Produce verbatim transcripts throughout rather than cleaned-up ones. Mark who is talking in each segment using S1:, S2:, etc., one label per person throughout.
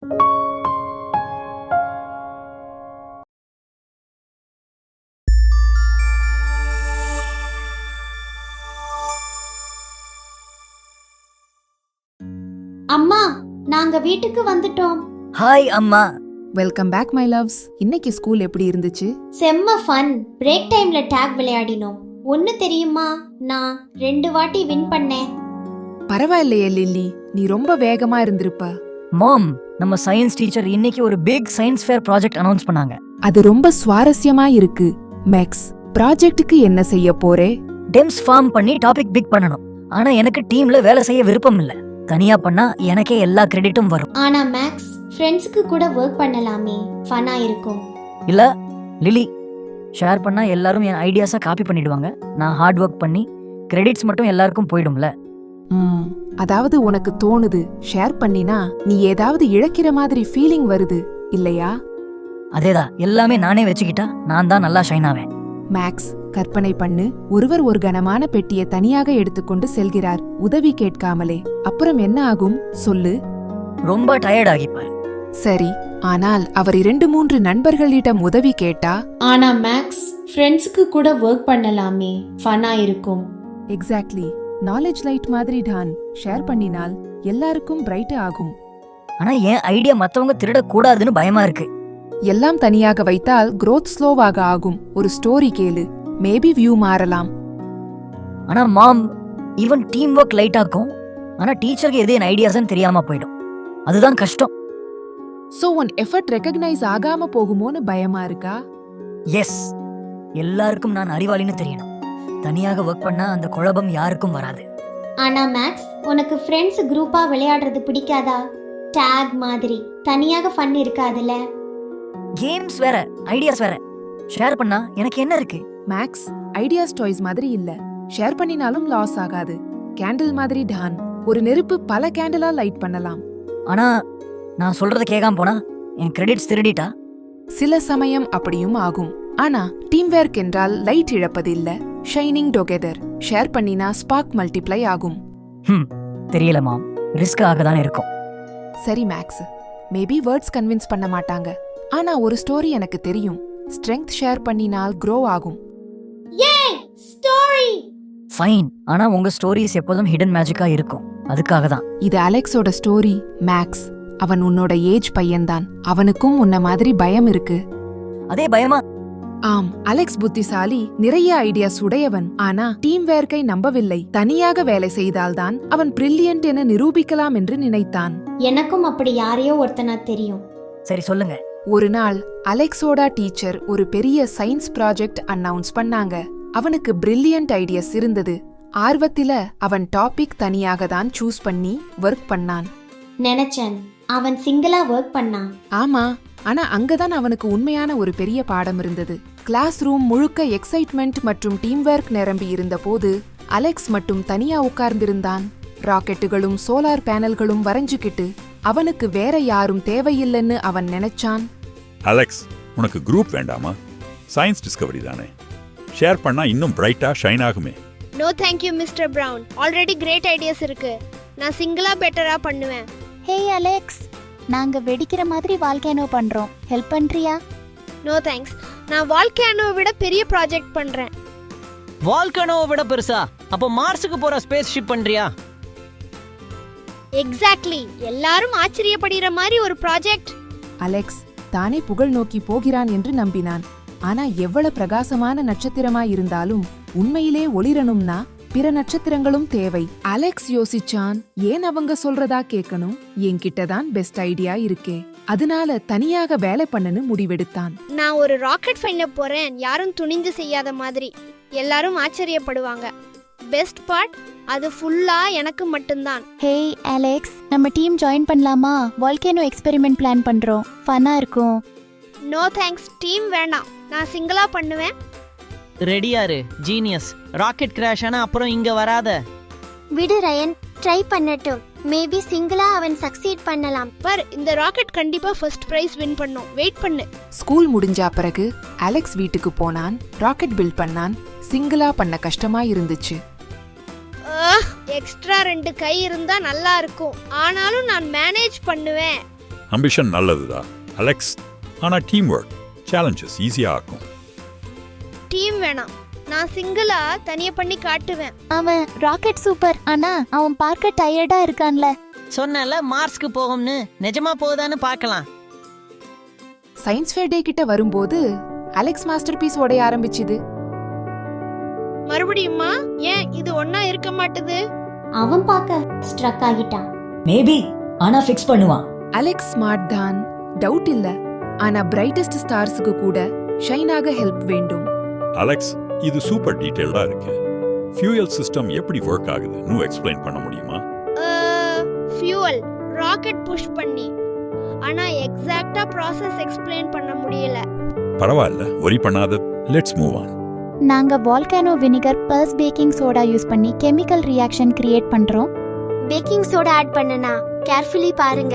S1: அம்மா, நாங்க வீட்டுக்கு வந்துட்டோம்.
S2: ஹாய் அம்மா.
S3: Welcome back my loves. இன்னைக்கு ஸ்கூல் எப்படி இருந்துச்சு?
S1: செம்ம ஃபன். பிரேக் டைம்ல டாக் விளையாடினோம். ஒன்னு தெரியுமா, நான் ரெண்டு வாட்டி வின் பண்ணேன்.
S3: பரவாயில்லையே லில்லி, நீ ரொம்ப வேகமா இருந்திருப்ப.
S2: மாம், நம்ம சயின்ஸ் டீச்சர் இன்னைக்கு ஒரு big science fair project announce பண்ணாங்க.
S3: அது ரொம்ப சுவாரஸ்யமா இருக்கு. மேக்ஸ், ப்ராஜெக்ட்டுக்கு என்ன செய்ய போறே?
S2: டெம்ஸ் ஃபார்ம் பண்ணி டாபிக் பிக் பண்ணணும். ஆனா எனக்கு டீம்ல வேலை செய்ய விருப்பம் இல்ல. தனியா பண்ணா எனக்கே எல்லா கிரெடிட்டும் வரும்.
S1: ஆனா மேக்ஸ், ஃப்ரெண்ட்ஸ்க்கு கூட வர்க் பண்ணலாமே, ஃபன்னா இருக்கும்.
S2: இல்ல லிலி, ஷேர் பண்ணா எல்லாரும் என் ஐடியாஸை காப்பி பண்ணிடுவாங்க. நான் ஹார்ட் ஒர்க் பண்ணி கிரெடிட்ஸ் மட்டும் எல்லாருக்கும் போயிடும்ல.
S3: ம், அதாவது உனக்கு தோணுது ஷேர் பண்ணினா நீ ஏதாவது இழக்கிற மாதிரி ஃபீலிங் வருது இல்லையா?
S2: அதேதான், எல்லாமே நானே வச்சுக்கிட்டா நான் தான் நல்லா ஷைன் ஆவேன்.
S3: மேக்ஸ், கற்பனை பண்ணு, ஒருவர் ஒரு கனமான பெட்டியை தனியாக எடுத்துக்கொண்டு செல்கிறார், உதவி கேட்காமலே. அப்புறம் என்ன ஆகும் சொல்லு?
S2: ரொம்ப டயர்ட் ஆகிப்பார்.
S3: சரி, ஆனால் அவர் இரண்டு மூன்று நண்பர்களிடம் உதவி கேட்டா?
S1: ஆனா மேக்ஸ், ஃப்ரெண்ட்ஸ்க்கு கூட வர்க் பண்ணலாமே, ஃபன்னா இருக்கும்.
S3: எக்ஸாக்ட்லி, நாலேஜ் லைட் மாதிரி தான். ஷேர் பண்ணினால் எல்லாருக்கும் பிரைட் ஆகும்.
S2: ஆனா என் ஐடியா மத்தவங்க திருடக்கூடாதுன்னு பயமா இருக்கு.
S3: எல்லாம் தனியாக வைத்தால் growth ஸ்லோவாக ஆகும். ஒரு ஸ்டோரி கேளு, மேபி வியூ மாறலாம்.
S2: ஆனா mom, even team work light ஆக்கும். ஆனா டீச்சருக்கு எது என் ஐடியாஸ்ன்னு தெரியாம போயிடும். அதுதான் கஷ்டம்.
S3: சோ உன் எஃபர்ட் ரெகக்னைஸ் ஆகாம போகுமோன்னு பயமா இருக்கா?
S2: எஸ், எல்லாருக்கும் நான் அறிவாளின்னு தெரியணும். தனியாக ஒர்க் பண்ணா அந்த குழப்பம் யாருக்கும் வராது.
S1: ஆனா மேக்ஸ், உனக்கு ஃப்ரெண்ட்ஸ் குரூப்பா விளையாடுறது பிடிக்காதா? டாக் மாதிரி தனியாக ஃபன் இருக்காதுல.
S2: கேம்ஸ் வேற, ஐடியாஸ் வேற. ஷேர் பண்ணா எனக்கு என்ன இருக்கு?
S3: மேக்ஸ், ஐடியாஸ் டாய்ஸ் மாதிரி இல்ல. ஷேர் பண்ணினாலும் லாஸ் ஆகாது. கேண்டில் மாதிரி டான். ஒரு நெருப்பு பல கேண்டிலா லைட் பண்ணலாம்.
S2: ஆனா நான் சொல்றத கேட்காம போனா என் கிரெடிட்ஸ் திருடிட்டா?
S3: சில சமயம் அப்படியும் ஆகும். ஆனா டீம் ஒர்க் என்றால் லைட் இழப்பது இல்ல, ஷைனிங் டுகெதர். ஷேர் பண்ணினா ஸ்பார்க் மல்டிப்ளை ஆகும்.
S2: ஹம், தெரியல மாம், ரிஸ்க் ஆக தான் இருக்கும்.
S3: சரி மேக்ஸ், மேபி வேர்ட்ஸ் கன்வின்ஸ் பண்ண மாட்டாங்க. ஆனா ஒரு ஸ்டோரி எனக்கு தெரியும். ஸ்ட்ரெங்த் ஷேர் பண்ணினால் க்ரோ ஆகும்.
S1: ஏய், ஸ்டோரி.
S2: ஃபைன், ஆனா உங்க ஸ்டோரிஸ் எப்போதும் ஹிடன் மேஜிக்கா இருக்கும். அதுக்காக தான்.
S3: இது அலெக்ஸோட ஸ்டோரி. மேக்ஸ், அவன் உன்னோட ஏஜ் பையன்தான். அவனுக்கும் உன்ன மாதிரி பயம் இருக்கு.
S2: அதே பயமா?
S3: ஆம், அலெக்ஸ் புத்திசாலி, நிறைய ஐடியாஸ் உடையவன். ஆனா டீம் வேர்க்கை நம்பவில்லை. தனியாக வேலை செய்தால்தான் அவன் பிரில்லியன்ட் என நிரூபிக்கலாம் என்று நினைத்தான்.
S1: எனக்கும் அப்படி யாரையோ ஒருத்தனா தெரியும்.
S2: சரி சொல்லுங்க.
S3: ஒரு நாள் அலெக்ஸோட டீச்சர் ஒரு பெரிய சயின்ஸ் ப்ராஜெக்ட் அனௌன்ஸ் பண்ணாங்க. அவனுக்கு பிரில்லியன்ட் ஐடியாஸ் இருந்தது. ஆர்வத்தில அவன் டாபிக் தனியாக தான் சூஸ் பண்ணி ஒர்க் பண்ணான்.
S1: நினைச்சேன் அவன் சிங்கிளா ஒர்க் பண்ணான்.
S3: ஆமா, ஆனா அங்கதான் அவனுக்கு உண்மையான ஒரு பெரிய பாடம் இருந்தது. கிளாஸ் ரூம் முழுக்க எக்ஸைட்மெண்ட் மற்றும் டீம் ஒர்க் நிரம்பி இருந்த போது அலெக்ஸ் மட்டும் தனியா உட்கார்ந்திருந்தான். ராக்கெட்டுகளும் சோலார் பேனல்களும் வரைஞ்சுக்கிட்டு. அவனுக்கு வேற யாரும் தேவையில்லைன்னு அவன் நினைச்சான்.
S4: அலெக்ஸ், உனக்கு குரூப் வேண்டாமா? சயின்ஸ் டிஸ்கவரி தானே. ஷேர் பண்ணா இன்னும் பிரைட்டா ஷைன் ஆகுமே.
S5: No thank you mister Brown. Already great ideas இருக்கு. நான் சிங்கிளா பெட்டரா பண்ணுவேன்.
S6: ஹே அலெக்ஸ், நாங்க வெடிக்கிற மாதிரி வால்கேனோ பண்றோம். ஹெல்ப் பண்றியா?
S5: No thanks. நான் வால்கேனோவை விட பெரிய ப்ராஜெக்ட் பண்றேன்.
S7: வால்கேனோவை விட பெருசா? அப்போ மார்ஸுக்கு போற ஸ்பேஸ் ஷிப் பண்றியா?
S5: எக்ஸாக்ட்லி, எல்லாரும் ஆச்சரியப்படுகிற மாதிரி ஒரு ப்ராஜெக்ட்.
S3: அலெக்ஸ் தானே புகழ் நோக்கி போகிறான் என்று நம்பினான். ஆனா எவ்வளவு பிரகாசமான நட்சத்திரமாய் இருந்தாலும் உண்மையிலே ஒளிரணும்னா பிற நட்சத்திரங்களும் தேவை. அலெக்ஸ் யோசிச்சான், ஏன் அவங்க சொல்றதா கேட்கணும்? என்கிட்டதான் பெஸ்ட் ஐடியா இருக்கே. அதனால தனியாக வேலை பண்ணனு முடிவெடுத்தான்.
S5: நான் ஒரு ராக்கெட் ஃபைண்ட போறேன், யாரும் துணிந்து செய்யாத மாதிரி. எல்லாரும் ஆச்சரியப்படுவாங்க. பெஸ்ட் பார்ட், அது ஃபுல்லா எனக்கு மட்டும்தான்.
S6: ஹே அலெக்ஸ், நம்ம டீம் ஜாயின் பண்ணலாமா? வால்கேனோ எக்ஸ்பெரிமெண்ட் பிளான் பண்றோம். ஃபன்னா இருக்கும்.
S5: நோ தேங்க்ஸ், டீம் வேண்டாம். நான் சிங்கிளா பண்ணுவேன்.
S7: ரெடியாரு ஜீனியஸ். ராக்கெட் கிராஷ் ஆனா அப்புறம் இங்க வராத.
S1: விடு ரயன், ட்ரை பண்ணட்டும். மேபி சிங்கிளா அவன் சக்சீட் பண்ணலாம்.
S5: பர், இந்த ராக்கெட் கண்டிப்பா ஃபர்ஸ்ட் பிரைஸ் வின் பண்ணும். வெயிட் பண்ணு.
S3: ஸ்கூல் முடிஞ்சா பிறகு அலெக்ஸ் வீட்டுக்கு போனான். ராக்கெட் பில்ட் பண்ணான். சிங்கிளா பண்ண கஷ்டமா இருந்துச்சு.
S5: எக்ஸ்ட்ரா ரெண்டு கை இருந்தா நல்லா இருக்கும். ஆனாலும் நான் மேனேஜ் பண்ணுவேன்.
S4: அம்பிஷன் நல்லதுதான் அலெக்ஸ், ஆனா டீம் ஒர்க் சேலஞ்சஸ் ஈஸியா ஆக்கும்.
S5: டீம் வேணாம், நான் சிங்கிளா தனியா பண்ணி காட்டுவேன்.
S6: அவன் ராக்கெட் சூப்பர், ஆனா அவன் பார்க்க டயர்டா இருக்கான்ல.
S7: சொன்னல மார்ஸ்க்கு போகும்னு, நிஜமா போகுதான்னு பார்க்கலாம்.
S3: சயின்ஸ் ஃபேர் டே கிட்ட வரும்போது அலெக்ஸ் மாஸ்டர் பீஸ் உடைய ஆரம்பிச்சுது.
S5: மறுபடியுமா? ஏன் இது ஒன்னா இருக்க மாட்டுது?
S1: அவன் பார்க்க ஸ்ட்ரக் ஆகிட்டான்.
S2: மேபி, ஆனா ஃபிக்ஸ் பண்ணுவான்.
S3: அலெக்ஸ் ஸ்மார்ட் தான், டவுட் இல்ல. ஆனா பிரைட்டஸ்ட் ஸ்டார்ஸுக்கு கூட ஷைனாக ஹெல்ப் வேண்டும்.
S4: அலெக்ஸ், இது சூப்பர் டீடைல்டா இருக்கு. ஃபியூயல் சிஸ்டம் எப்படி ஒர்க் ஆகுதுன்னு எக்ஸ்பிளைன் பண்ண முடியுமா?
S5: ஃபியூவல் ராக்கெட் புஷ் பண்ணி, ஆனா எக்ஸாக்ட்டா ப்ராசஸ் எக்ஸ்பிளைன் பண்ண முடியல.
S4: பரவாயில்ல, worry பண்ணாத. Let's move on.
S6: நாங்க volcano vinegar plus baking soda use பண்ணி கெமிக்கல் ரியாக்ஷன் கிரியேட் பண்றோம்.
S1: பேக்கிங் சோடா ஆட் பண்ணனா கேர்ஃபுல்லி பாருங்க.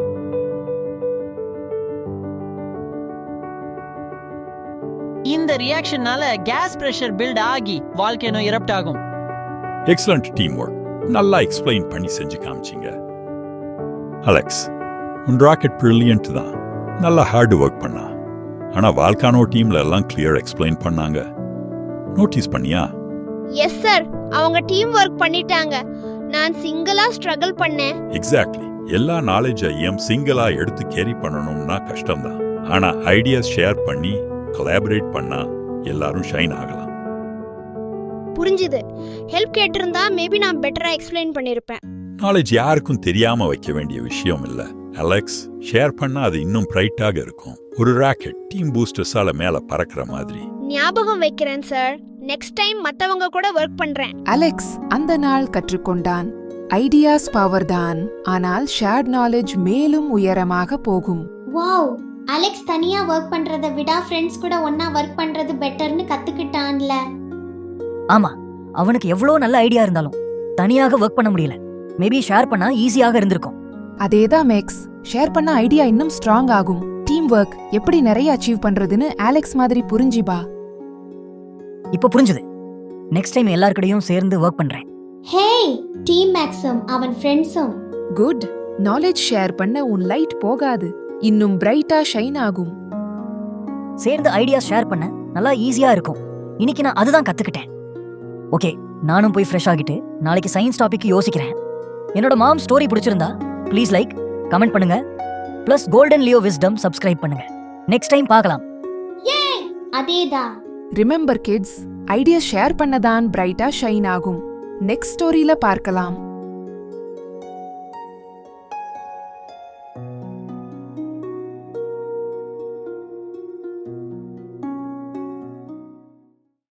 S7: இந்த ரியாக்ஷனால கேஸ் பிரஷர் பில்ட் ஆகி வால்கேனோ இரப்ட் ஆகும்.
S4: Excellent team work. நல்லா எக்ஸ்பிளைன் பண்ணி செஞ்சு காமிச்சிங்க. அலெக்ஸ், உன் ராக்கெட் பிரில்லியன்ட் தான். நல்லா ஹார்ட் ஒர்க் பண்ணா. ஆனா வால்கானோ டீம்ல எல்லாம் கிளியர் எக்ஸ்பிளைன் பண்ணாங்க. நோட்டீஸ் பண்ணியா?
S5: எஸ் சார், அவங்க டீம் ஒர்க் பண்ணிட்டாங்க. நான் சிங்கிளா ஸ்ட்ரகிள் பண்ணேன்.
S4: எக்ஸாக்ட்லி. எல்லா நாலேஜையும் சிங்கிளா எடுத்து கேரி பண்ணணும்னா கஷ்டம்தான். ஆனா ஐடியாஸ் ஷேர் பண்ணி கொலாபரேட் பண்ணா எல்லாரும் ஷைன் ஆகலாம்.
S5: புரிஞ்சுது. ஹெல்ப் கேட்டிருந்தா மேபி நான் பெட்டரா எக்ஸ்பிளைன் பண்ணிருப்பேன்.
S4: நாலேஜ் யாருக்கும் தெரியாம வைக்க வேண்டிய விஷயம் இல்ல அலெக்ஸ். ஷேர் பண்ணா அது இன்னும் பிரைட்டாக இருக்கும். ஒரு ராக்கெட் டீம் பூஸ்டர்ஸால மேல பறக்கிற மாதிரி.
S5: ஞாபகம் வைக்கிறேன் சார். நெக்ஸ்ட் டைம் மத்தவங்க கூட ஒர்க் பண்றேன்.
S3: அலெக்ஸ் அந்த நாள் கற்றுக்கொண்டான். ஐடியாஸ் பவர் தான், ஆனால் ஷேர்ட் நாலேஜ் மேலும் உயரமாக போகும்.
S1: வாவ், அலெக்ஸ் தனியா ஒர்க் பண்றதை விட ஃப்ரெண்ட்ஸ் கூட ஒன்னா ஒர்க் பண்றது பெட்டர்னு கத்துக்கிட்டான்ல.
S2: ஆமா, அவனுக்கு எவ்வளோ நல்ல ஐடியா இருந்தாலும் தனியாக ஒர்க் பண்ண முடியல. மேபி ஷேர் பண்ணா ஈஸியாக இருந்திருக்கும்.
S3: அதேதான் மேக்ஸ், ஷேர் பண்ண ஐடியா இன்னும் ஸ்ட்ராங் ஆகும். டீம் ஒர்க் எப்படி நிறைய அச்சீவ் பண்றதுன்னு அலெக்ஸ் மாதிரி புரிஞ்சிபா.
S2: இப்போ புரிஞ்சுது. நெக்ஸ்ட் டைம் எல்லார்கிட்டயும் சேர்ந்து ஒர்க் பண்றேன்.
S1: ஹேய், டீம் மேக்ஸும் அவன் ஃப்ரெண்ட்ஸும்.
S3: குட். நாலேஜ் ஷேர் பண்ண உன் லைட் போகாது, இன்னும் பிரைட்டா ஷைன் ஆகும்.
S2: சேர்ந்து ஐடியா ஷேர் பண்ண நல்லா ஈஸியா இருக்கும். இன்னைக்கு நான் அதுதான் கத்துக்கிட்டேன். ஓகே, நானும் போய் ஃப்ரெஷ் ஆகிட்டு நாளைக்கு சயின்ஸ் டாபிக் யோசிக்கிறேன். என்னோட மாம் ஸ்டோரி பிடிச்சிருந்தா ப்ளீஸ் லைக், கமெண்ட் பண்ணுங்க. Plus golden Leo wisdom subscribe பண்ணுங்க. நெக்ஸ்ட் டைம் பார்க்கலாம்.
S1: ஏய், அதேதான்.
S3: ரிமெம்பர் கிட்ஸ், ஐடியா ஷேர் பண்ணதான் பிரைட்டா ஷைன் ஆகும். நெக்ஸ்ட் ஸ்டோரியில பார்க்கலாம்.